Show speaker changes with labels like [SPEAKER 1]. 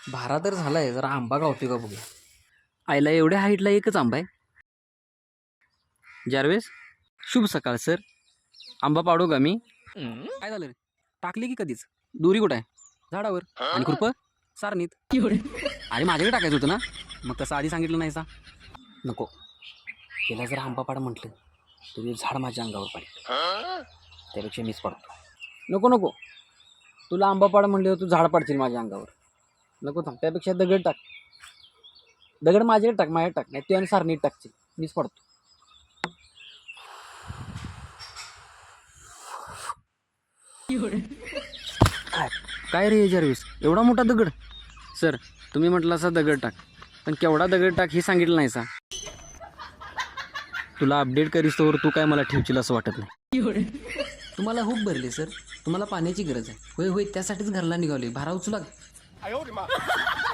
[SPEAKER 1] भारा तर झालाय, जरा आंबा गावतोय का बघूया.
[SPEAKER 2] आईला एवढ्या हाईटला एकच आंबा आहे. जारवेस, शुभ सकाळ सर. आंबा पाडू का मी? काय झालं रे? टाकली की कधीच? दोरी कुठं आहे? झाडावर. आणि खुरप सारणीत. अरे माझ्याकडे टाकायचं होतं ना, मग तसं आधी सांगितलं नाही सा.
[SPEAKER 1] नको, तिला जर आंबा पाड म्हटलं तर झाड माझ्या अंगावर पडेल, त्यापेक्षा मीच पडतो.
[SPEAKER 2] नको नको, तुला आंबा पाड म्हणले तू झाड पाडशील माझ्या अंगावर. नको थांब, त्यापेक्षा दगड टाक. दगड माझ्याकडे टाक, माझ्याकडे टाक. नाही तू आणि सारणीत टाकशील, मीच पडतो. काय रे जर्विस, एवढा मोठा दगड? सर, तुम्ही म्हटलं असा दगड टाक, पण केवढा दगड टाक हे सांगितलं नाही सा. तुला अपडेट करीस तोवर तू काय मला ठेवशील असं वाटत नाही.
[SPEAKER 1] तुम्हाला खूप भरले सर, तुम्हाला पाण्याची गरज आहे. होय होय, त्यासाठीच घरला निघाले. भारा उचला.